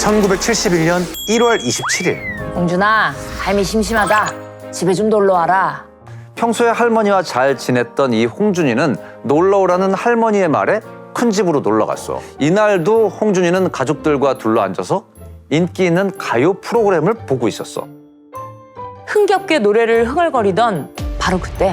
1971년 1월 27일. 홍준아, 삶이 심심하다. 집에 좀 놀러 와라. 평소에 할머니와 잘 지냈던 이 홍준이는 놀러 오라는 할머니의 말에 큰 집으로 놀러 갔어. 이날도 홍준이는 가족들과 둘러앉아서 인기 있는 가요 프로그램을 보고 있었어. 흥겹게 노래를 흥얼거리던 바로 그때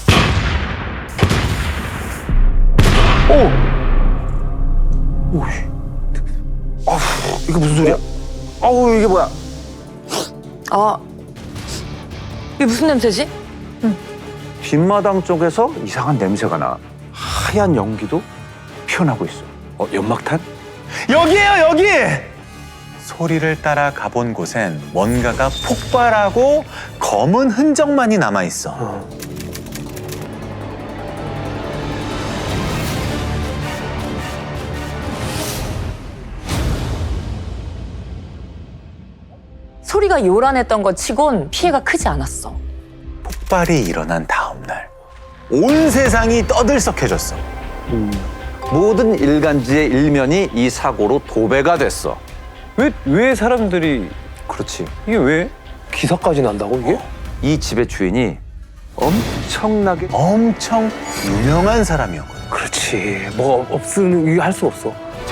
이게 무슨 소리야? 어우, 이게 뭐야? 이게 무슨 냄새지? 뒷마당 쪽에서 이상한 냄새가 나. 하얀 연기도 피어나고 있어. 연막탄? 여기에요, 여기! 소리를 따라 가본 곳엔 뭔가가 폭발하고 검은 흔적만이 남아있어. 소리가 요란했던 것 치곤 피해가 크지 않았어. 폭발이 일어난 다음 날, 온 세상이 떠들썩해졌어. 모든 일간지의 일면이 이 사고로 도배가 됐어. 왜 사람들이 그렇지. 이게 왜 기사까지 난다고 이게? 이 집의 주인이 엄청나게 엄청 유명한 사람이었거든. 그렇지. 뭐 없으면 이게 할 수 없어.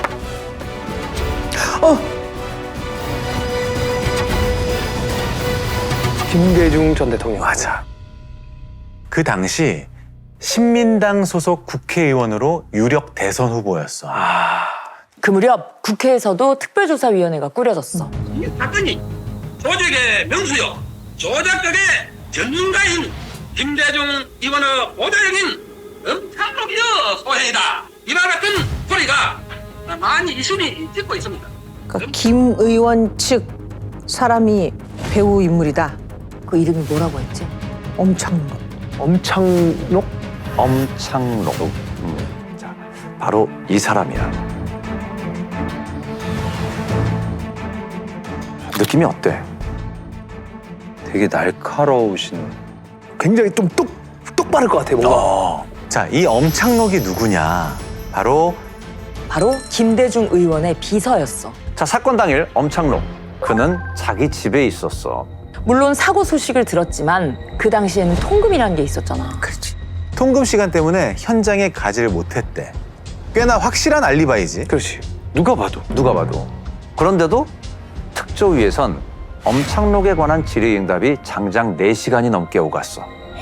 김대중 전 대통령. 맞아. 그 당시 신민당 소속 국회의원으로 유력 대선 후보였어. 그 무렵 국회에서도 특별조사위원회가 꾸려졌어. 이 사건이 조직의 명수요 조작극의 전문가인 김대중 의원의 보좌적인 엄청록이여 소행이다. 이와 같은 소리가 많이 이슈니 찍고 있습니다. 그러니까 김 의원 측 사람이 배우 인물이다. 그 이름이 뭐라고 했지? 엄창록. 엄창록? 엄창록. 자, 바로 이 사람이야. 느낌이 어때? 되게 날카로우신. 굉장히 좀 똑바를 것 같아 뭔가. 자, 이 엄창록이 누구냐? 바로 김대중 의원의 비서였어. 자, 사건 당일 엄창록. 그는 자기 집에 있었어. 물론 사고 소식을 들었지만 그 당시에는 통금이라는 게 있었잖아. 그렇지. 통금 시간 때문에 현장에 가지를 못했대. 꽤나 확실한 알리바이지. 그렇지. 누가 봐도. 누가 봐도. 그런데도 특조위에선 엄창록에 관한 질의응답이 장장 4시간이 넘게 오갔어.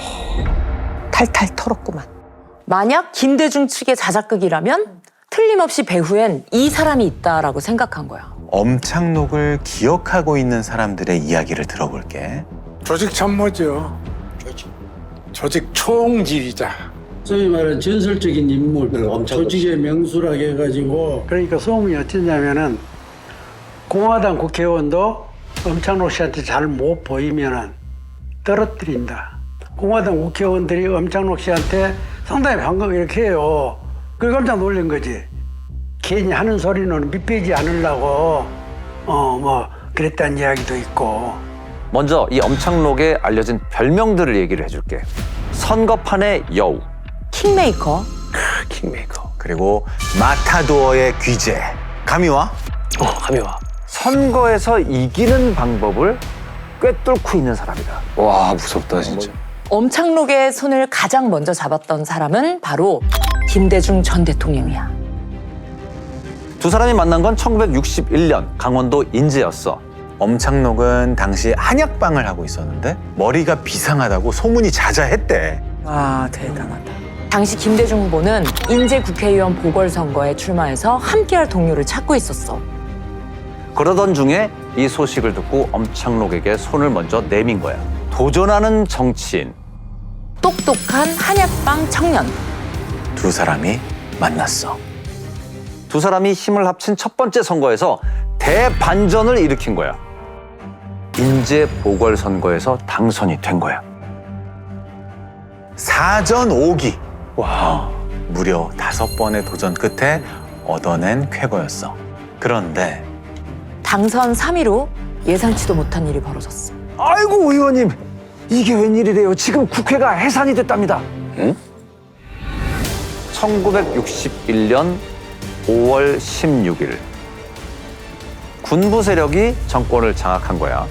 탈탈 털었구만. 만약 김대중 측의 자작극이라면 틀림없이 배후엔 이 사람이 있다라고 생각한 거야. 엄창록을 기억하고 있는 사람들의 이야기를 들어볼게. 조직 참모죠. 조직 총지휘자. 소위 말하는 전설적인 인물, 조직의 명수라고 해가지고. 그러니까 소문이 어쩌냐면은 공화당 국회의원도 엄창록 씨한테 잘 못 보이면은 떨어뜨린다. 공화당 국회의원들이 엄창록 씨한테 상당히 반감 이렇게 해요. 그걸 깜짝 놀란 거지. 괜히 하는 소리는 밑배지 않으려고 뭐 그랬다는 이야기도 있고. 먼저 이 엄창록에 알려진 별명들을 얘기를 해줄게. 선거판의 여우, 킹메이커, 킹메이커. 그리고 마타도어의 귀재. 감이 와? 감이 와. 선거에서 이기는 방법을 꿰뚫고 있는 사람이다. 와 무섭다 진짜. 엄창록의 손을 가장 먼저 잡았던 사람은 바로 김대중 전 대통령이야. 두 사람이 만난 건 1961년 강원도 인제였어. 엄창록은 당시 한약방을 하고 있었는데 머리가 비상하다고 소문이 자자했대. 와, 대단하다. 당시 김대중 후보는 인제 국회의원 보궐선거에 출마해서 함께할 동료를 찾고 있었어. 그러던 중에 이 소식을 듣고 엄창록에게 손을 먼저 내민 거야. 도전하는 정치인. 똑똑한 한약방 청년. 두 사람이 만났어. 두 사람이 힘을 합친 첫 번째 선거에서 대반전을 일으킨 거야. 인제 보궐선거에서 당선이 된 거야. 4전 5기. 와. 무려 5번의 도전 끝에 얻어낸 쾌거였어. 그런데 당선 3위로 예상치도 못한 일이 벌어졌어. 아이고 의원님, 이게 웬일이래요. 지금 국회가 해산이 됐답니다. 응? 1961년 5월 16일 군부 세력이 정권을 장악한 거야.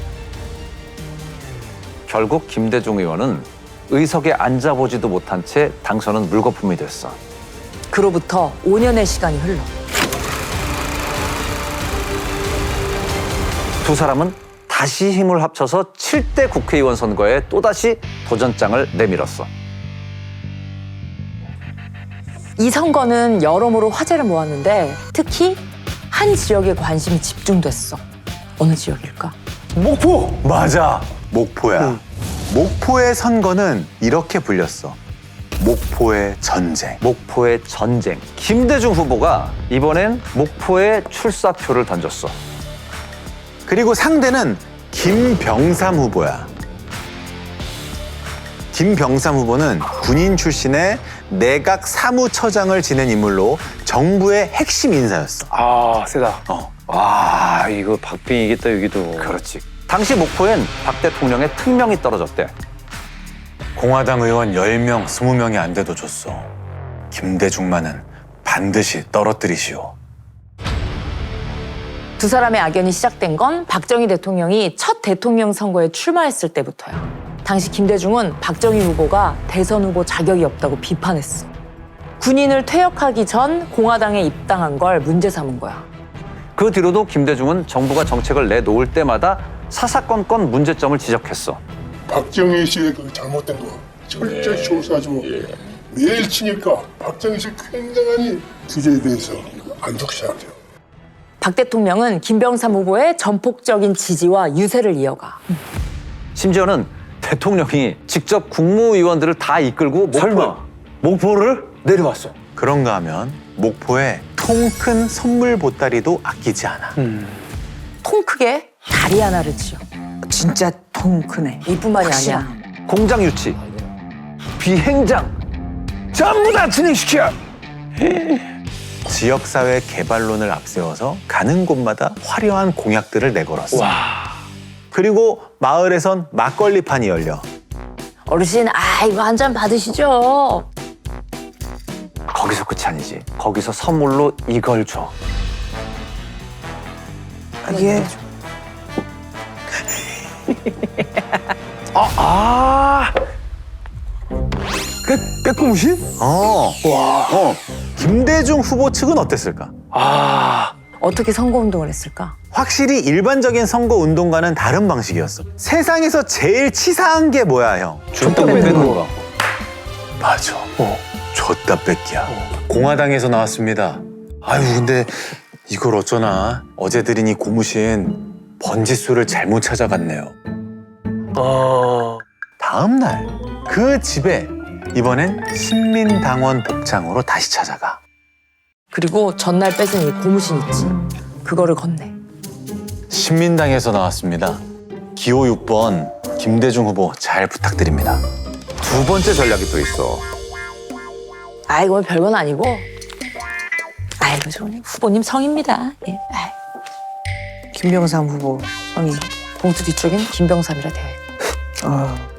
결국 김대중 의원은 의석에 앉아보지도 못한 채 당선은 물거품이 됐어. 그로부터 5년의 시간이 흘러 두 사람은 다시 힘을 합쳐서 7대 국회의원 선거에 또다시 도전장을 내밀었어. 이 선거는 여러모로 화제를 모았는데 특히 한 지역에 관심이 집중됐어. 어느 지역일까? 목포! 맞아. 목포야. 목포의 선거는 이렇게 불렸어. 목포의 전쟁. 목포의 전쟁. 김대중 후보가 이번엔 목포에 출사표를 던졌어. 그리고 상대는 김병삼 후보야. 김병삼 후보는 군인 출신의 내각 사무처장을 지낸 인물로 정부의 핵심 인사였어. 아, 세다. 와, 이거 박빙 이겠다, 여기도. 그렇지. 당시 목포엔 박 대통령의 특명이 떨어졌대. 공화당 의원 10명, 20명이 안 돼도 줬어. 김대중만은 반드시 떨어뜨리시오. 두 사람의 악연이 시작된 건 박정희 대통령이 첫 대통령 선거에 출마했을 때부터야. 당시 김대중은 박정희 후보가 대선 후보 자격이 없다고 비판했어. 군인을 퇴역하기 전 공화당에 입당한 걸 문제 삼은 거야. 그 뒤로도 김대중은 정부가 정책을 내놓을 때마다 사사건건 문제점을 지적했어. 박정희 씨의 그 잘못된 거 철저히 조사하고 매일 치니까 박정희 씨 굉장한 규제에 대해서 안 좋게 생각해요. 박 대통령은 김병삼 후보의 전폭적인 지지와 유세를 이어가. 심지어는 대통령이 직접 국무위원들을 다 이끌고 목포를 내려왔어. 그런가 하면 목포에 통 큰 선물 보따리도 아끼지 않아. 통 크게 다리 하나를 지어. 진짜 통 크네. 이뿐만이 아니야. 공장 유치, 비행장 전부 다 진행시켜. 지역사회 개발론을 앞세워서 가는 곳마다 화려한 공약들을 내걸었어. 그리고 마을에선 막걸리판이 열려. 어르신, 이거 한 잔 받으시죠. 거기서 끝이 아니지. 거기서 선물로 이걸 줘. 이게 빼꼼신? 김대중 후보 측은 어땠을까? 어떻게 선거운동을 했을까? 확실히 일반적인 선거 운동과는 다른 방식이었어. 세상에서 제일 치사한 게 뭐야, 형? 줬다 뺏는 거. 맞아. 줬다 뺏기야. 공화당에서 나왔습니다. 아유, 근데 이걸 어쩌나. 어제 드린 이 고무신 번지수를 잘못 찾아갔네요. 다음 날 그 집에 이번엔 신민당원 복장으로 다시 찾아가. 그리고 전날 뺏은 이 고무신 있지. 그거를 건네. 신민당에서 나왔습니다. 기호 6번 김대중 후보 잘 부탁드립니다. 두 번째 전략이 또 있어. 이건 별건 아니고. 아이고, 저 후보님 성입니다. 예. 김병삼 후보 성이. 봉투 뒤쪽엔 김병삼이라 되어 있고.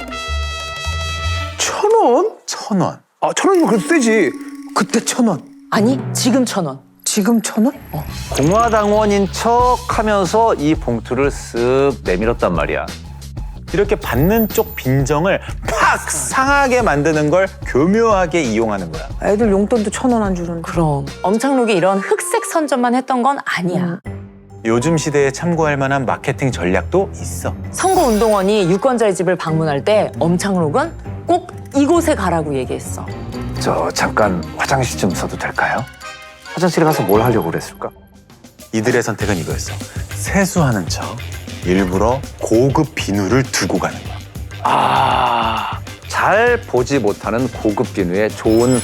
1,000원? 1,000원. 아, 1,000원이면 그래도 세지. 그때 1,000원. 아니, 지금 1,000원. 지금 1,000원? 공화당원인 척 하면서 이 봉투를 쓱 내밀었단 말이야. 이렇게 받는 쪽 빈정을 팍 상하게 만드는 걸 교묘하게 이용하는 거야. 애들 용돈도 1,000원 안 주는데. 그럼 엄창록이 이런 흑색 선전만 했던 건 아니야. 요즘 시대에 참고할 만한 마케팅 전략도 있어. 선거운동원이 유권자의 집을 방문할 때 엄창록은 꼭 이곳에 가라고 얘기했어. 저 잠깐 화장실 좀 써도 될까요? 화장실에 가서 뭘 하려고 그랬을까? 이들의 선택은 이거였어. 세수하는 척 일부러 고급 비누를 두고 가는 거야. 잘 보지 못하는 고급 비누의 좋은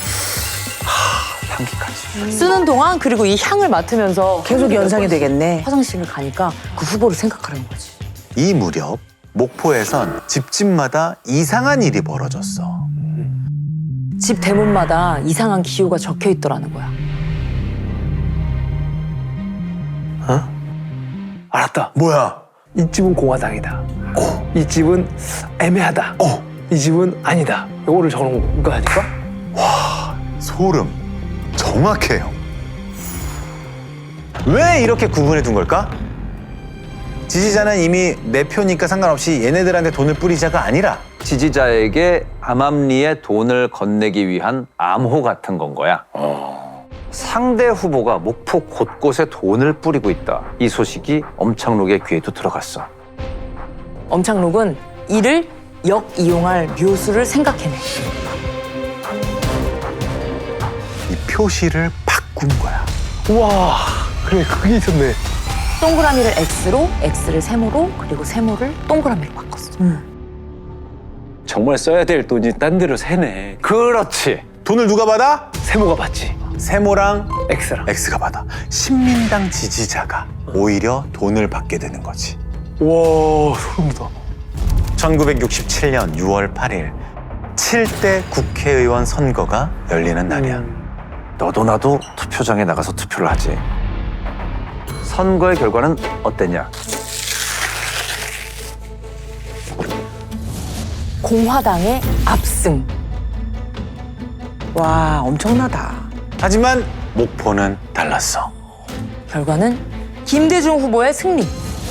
향기까지. 쓰는 동안 그리고 이 향을 맡으면서 계속 연상이 되겠네. 화장실을 가니까 그 후보를 생각하는 거지. 이 무렵 목포에선 집집마다 이상한 일이 벌어졌어. 집 대문마다 이상한 기호가 적혀 있더라는 거야. 알았다. 뭐야? 이 집은 공화당이다. 이 집은 애매하다. 이 집은 아니다. 요거를 적어놓은 거 아닐까? 소름. 정확해요. 왜 이렇게 구분해 둔 걸까? 지지자는 이미 내 표니까 상관없이 얘네들한테 돈을 뿌리자가 아니라 지지자에게 암암리에 돈을 건네기 위한 암호 같은 건 거야. 상대 후보가 목포 곳곳에 돈을 뿌리고 있다. 이 소식이 엄창록의 귀에도 들어갔어. 엄창록은 이를 역이용할 묘수를 생각해내. 이 표시를 바꾼 거야. 우와, 그래, 그게 있었네. 동그라미를 X로, X를 세모로, 그리고 세모를 동그라미로 바꿨어. 정말 써야 될 돈이 딴 데로 새네. 그렇지. 돈을 누가 받아? 세모가 받지. 세모랑 X랑. X가 받아. 신민당 지지자가 오히려 돈을 받게 되는 거지. 우와, 소름 돋아. 1967년 6월 8일 7대 국회의원 선거가 열리는 날이야. 너도 나도 투표장에 나가서 투표를 하지. 선거의 결과는 어땠냐? 공화당의 압승. 와, 엄청나다. 하지만 목포는 달랐어. 결과는 김대중 후보의 승리.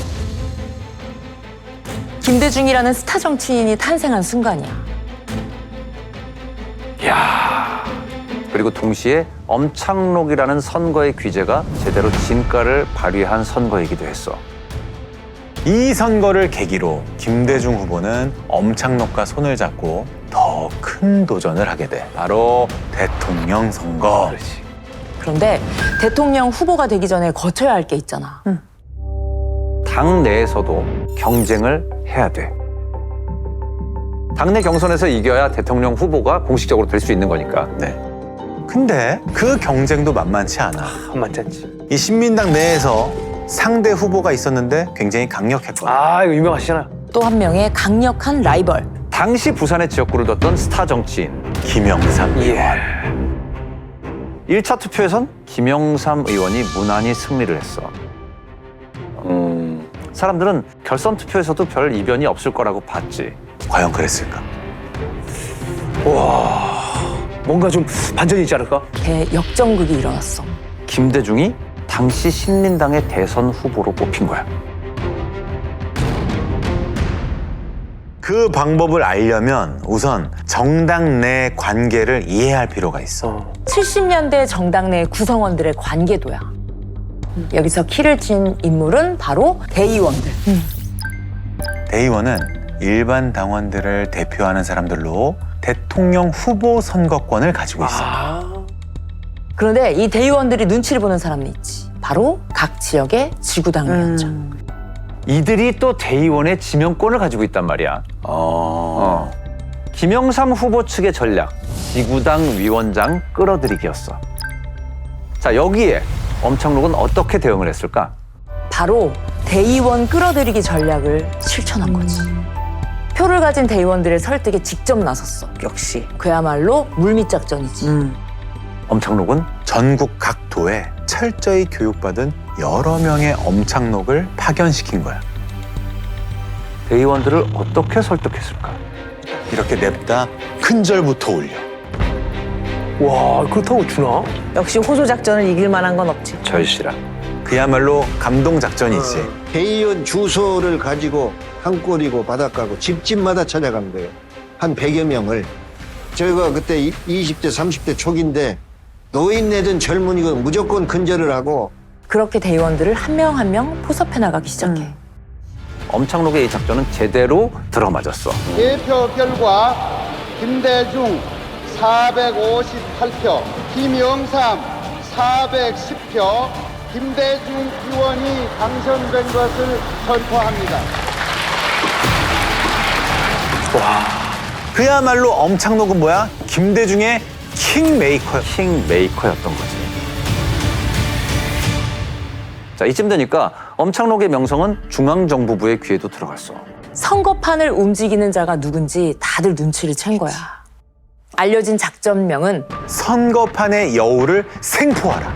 김대중이라는 스타 정치인이 탄생한 순간이야. 그리고 동시에 엄창록이라는 선거의 귀재가 제대로 진가를 발휘한 선거이기도 했어. 이 선거를 계기로 김대중 후보는 엄창록과 손을 잡고 더 큰 도전을 하게 돼. 바로 대통령 선거. 그런데 대통령 후보가 되기 전에 거쳐야 할 게 있잖아. 당 내에서도 경쟁을 해야 돼. 당내 경선에서 이겨야 대통령 후보가 공식적으로 될 수 있는 거니까. 네. 근데 그 경쟁도 만만치 않아. 만만치 않지. 이 신민당 내에서 상대 후보가 있었는데 굉장히 강력했거든. 아, 이거 유명하시잖아요. 또 한 명의 강력한 라이벌. 당시 부산의 지역구를 뒀던 스타 정치인 김영삼 의원. 1차 투표에선 김영삼 의원이 무난히 승리를 했어. 사람들은 결선 투표에서도 별 이변이 없을 거라고 봤지. 과연 그랬을까? 뭔가 좀 반전이 있지 않을까? 대역전극이 일어났어. 김대중이 당시 신민당의 대선 후보로 뽑힌 거야. 그 방법을 알려면 우선 정당 내 관계를 이해할 필요가 있어. 70년대 정당 내 구성원들의 관계도야. 여기서 키를 친 인물은 바로 대의원들. 대의원은 일반 당원들을 대표하는 사람들로 대통령 후보 선거권을 가지고 있어. 그런데 이 대의원들이 눈치를 보는 사람이 있지. 바로 각 지역의 지구당 위원장. 이들이 또 대의원의 지명권을 가지고 있단 말이야. 김영삼 후보 측의 전략, 지구당 위원장 끌어들이기였어. 자, 여기에 엄창록은 어떻게 대응을 했을까? 바로 대의원 끌어들이기 전략을 실천한 거지. 표를 가진 대의원들의 설득에 직접 나섰어. 역시. 그야말로 물밑작전이지. 엄창록은 전국 각 도에 철저히 교육받은 여러 명의 엄창록을 파견시킨 거야. 대의원들을 어떻게 설득했을까? 이렇게 냅다 큰절부터 올려. 와, 그렇다고 주나? 역시 호소 작전을 이길 만한 건 없지. 절실한. 그야말로 감동 작전이지. 대의원 주소를 가지고 산골이고 바닷가고 집집마다 찾아간 거예요. 한 100여 명을. 저희가 그때 20대, 30대 초기인데 노인네든 젊은이든 무조건 근절을 하고 그렇게 대의원들을 한 명 한 명 포섭해 나가기 시작해. 엄창록의 이 작전은 제대로 들어맞았어. 개표 결과 김대중 458표, 김영삼 410표, 김대중 의원이 당선된 것을 선포합니다. 그야말로 엄창록은 뭐야? 김대중의 킹메이커야. 킹메이커였던 거지. 자, 이쯤 되니까 엄창록의 명성은 중앙정부부의 귀에도 들어갔어. 선거판을 움직이는 자가 누군지 다들 눈치를 챈 거야. 알려진 작전명은 선거판의 여우를 생포하라.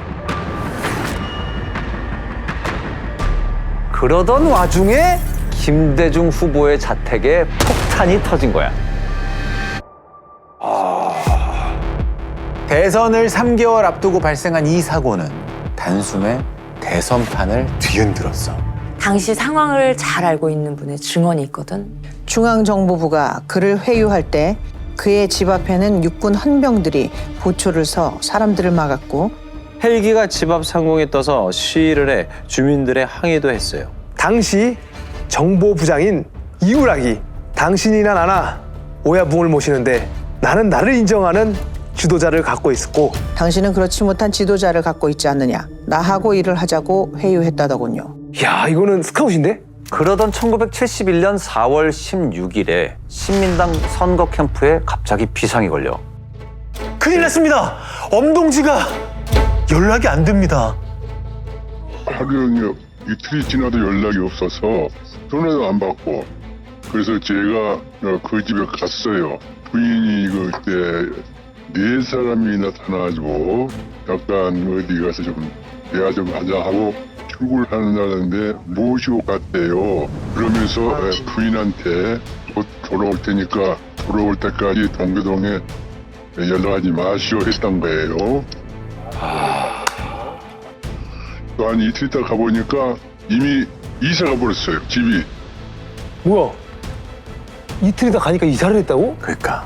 그러던 와중에 김대중 후보의 자택에 폭탄이 터진 거야. 대선을 3개월 앞두고 발생한 이 사고는 단숨에 대선판을 뒤흔들었어. 당시 상황을 잘 알고 있는 분의 증언이 있거든. 중앙정보부가 그를 회유할 때 그의 집 앞에는 육군 헌병들이 보초를 서 사람들을 막았고 헬기가 집 앞 상공에 떠서 시위를 해 주민들의 항의도 했어요. 당시 정보부장인 이우락이 당신이나 나나 오야붕을 모시는데 나는 나를 인정하는 지도자를 갖고 있었고 당신은 그렇지 못한 지도자를 갖고 있지 않느냐. 나하고 일을 하자고 회유했다더군요. 야 이거는 스카웃인데? 그러던 1971년 4월 16일에 신민당 선거 캠프에 갑자기 비상이 걸려. 큰일 났습니다. 엄동지가 연락이 안 됩니다. 하루 이틀이 지나도 연락이 없어서 전화도 안 받고 그래서 제가 그 집에 갔어요. 부인이 그때 4사람이 나타나가지고 약간 어디 가서 좀 대화 좀 하자 하고 출근을 하는 날인데 모시고 갔대요. 그러면서 부인한테 곧 돌아올 테니까 돌아올 때까지 동교동에 연락하지 마시오 했던 거예요. 또 한 이틀 있다 가보니까 이미 이사가 버렸어요, 집이. 뭐야? 이틀이다 가니까 이사를 했다고? 그러니까.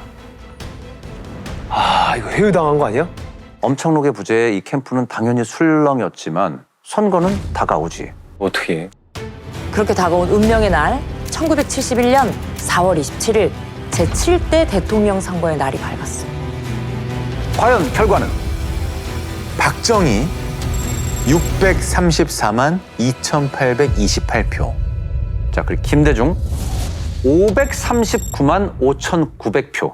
아 이거 회유당한 거 아니야? 엄창록의 부재에 이 캠프는 당연히 술렁이었지만 선거는 다가오지. 어떻게? 그렇게 다가온 운명의 날 1971년 4월 27일 제7대 대통령 선거의 날이 밝았어. 과연 결과는? 박정희 634만 2,828표. 자, 그리고 김대중 539만 5,900표.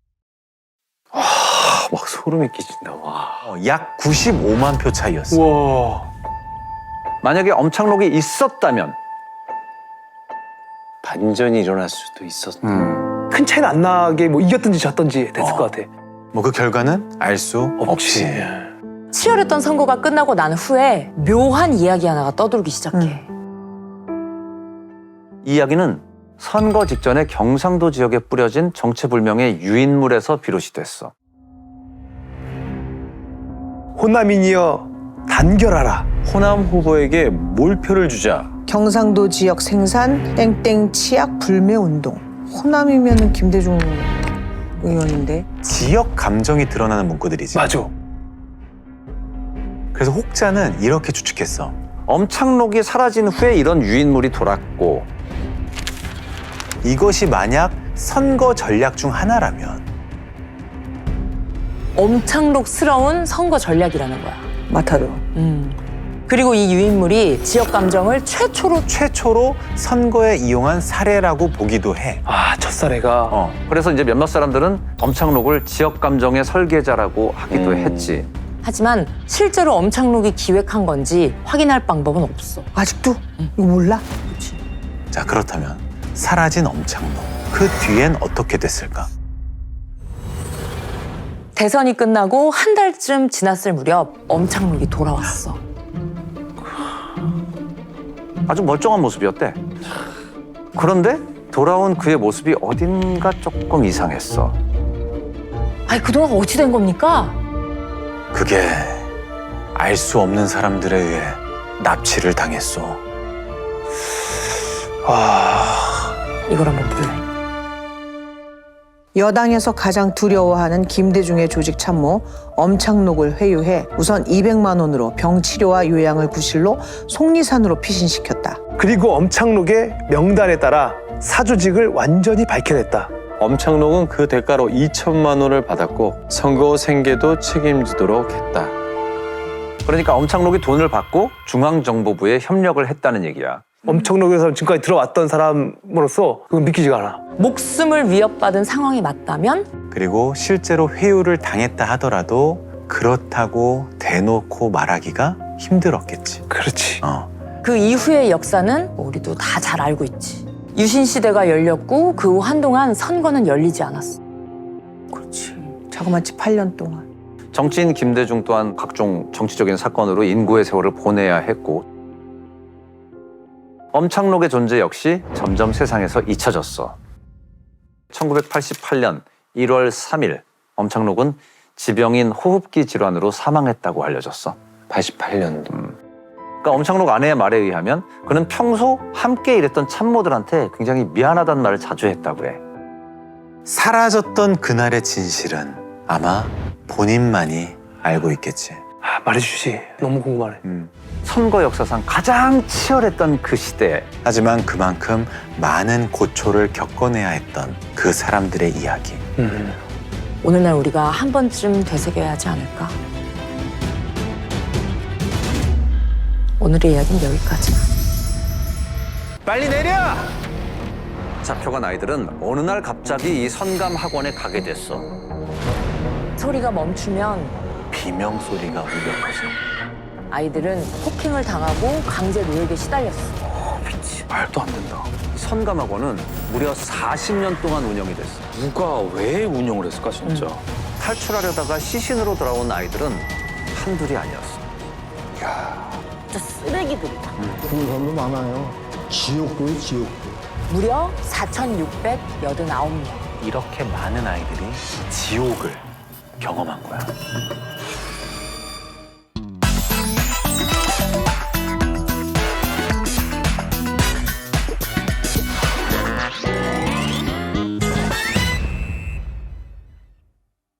막 소름이 끼친다. 와. 약 95만 표 차이였어. 우와. 만약에 엄창록이 있었다면 반전이 일어날 수도 있었다. 큰 차이는 안 나게 뭐 이겼든지 졌든지 됐을 것 같아. 뭐 그 결과는 알 수 없이. 치열했던 선거가 끝나고 난 후에 묘한 이야기 하나가 떠돌기 시작해. 이 이야기는 선거 직전에 경상도 지역에 뿌려진 정체불명의 유인물에서 비롯이 됐어. 호남인이여 단결하라. 호남 후보에게 몰표를 주자. 경상도 지역 생산 땡땡 치약 불매 운동. 호남이면은 김대중 의원인데. 지역 감정이 드러나는 문구들이지. 맞아. 그래서 혹자는 이렇게 추측했어. 엄창록이 사라진 후에 이런 유인물이 돌았고 이것이 만약 선거 전략 중 하나라면 엄창록스러운 선거 전략이라는 거야. 마타도. 그리고 이 유인물이 지역 감정을 최초로 선거에 이용한 사례라고 보기도 해. 아 첫사례가. 그래서 이제 몇몇 사람들은 엄창록을 지역 감정의 설계자라고 하기도 했지. 하지만 실제로 엄창록이 기획한 건지 확인할 방법은 없어. 아직도? 이거 몰라? 자, 그렇다면 사라진 엄창록. 그 뒤엔 어떻게 됐을까? 대선이 끝나고 한 달쯤 지났을 무렵 엄창록이 돌아왔어. 아주 멀쩡한 모습이었대. 그런데 돌아온 그의 모습이 어딘가 조금 이상했어. 아니 그동안 어찌 된 겁니까? 그게 알 수 없는 사람들에 의해 납치를 당했어. 이걸 한번 볼래? 여당에서 가장 두려워하는 김대중의 조직 참모 엄창록을 회유해 우선 200만 원으로 병치료와 요양을 구실로 속리산으로 피신시켰다. 그리고 엄창록의 명단에 따라 사조직을 완전히 밝혀냈다. 엄창록은 그 대가로 2천만 원을 받았고 선거 생계도 책임지도록 했다. 그러니까 엄창록이 돈을 받고 중앙정보부에 협력을 했다는 얘기야. 엄청록에서 지금까지 들어왔던 사람으로서 그건 믿기지가 않아. 목숨을 위협받은 상황이 맞다면? 그리고 실제로 회유를 당했다 하더라도 그렇다고 대놓고 말하기가 힘들었겠지. 그렇지. 그 이후의 역사는 우리도 다 잘 알고 있지. 유신 시대가 열렸고 그 후 한동안 선거는 열리지 않았어. 그렇지. 자그마치 8년 동안. 정치인 김대중 또한 각종 정치적인 사건으로 인구의 세월을 보내야 했고 엄창록의 존재 역시 점점 세상에서 잊혀졌어. 1988년 1월 3일 엄창록은 지병인 호흡기 질환으로 사망했다고 알려졌어. 88년도. 그러니까 엄창록 아내의 말에 의하면 그는 평소 함께 일했던 참모들한테 굉장히 미안하다는 말을 자주 했다고 해. 사라졌던 그날의 진실은 아마 본인만이 알고 있겠지. 아, 말해주지. 너무 궁금하네. 선거 역사상 가장 치열했던 그 시대에 하지만 그만큼 많은 고초를 겪어내야 했던 그 사람들의 이야기. 오늘날 우리가 한 번쯤 되새겨야 하지 않을까? 오늘의 이야기는 여기까지야. 빨리 내려! 잡혀간 아이들은 어느 날 갑자기 이 선감 학원에 가게 됐어. 소리가 멈추면 비명 소리가 울렸거든. 아이들은 폭행을 당하고 강제 노역에 시달렸어. 말도 안 된다. 선감 학원은 무려 40년 동안 운영이 됐어. 누가 왜 운영을 했을까 진짜? 탈출하려다가 시신으로 돌아온 아이들은 한둘이 아니었어. 진짜 쓰레기들이다. 그런 사람도 많아요. 지옥도요, 지옥도. 무려 4,689명. 이렇게 많은 아이들이 지옥을 경험한 거야.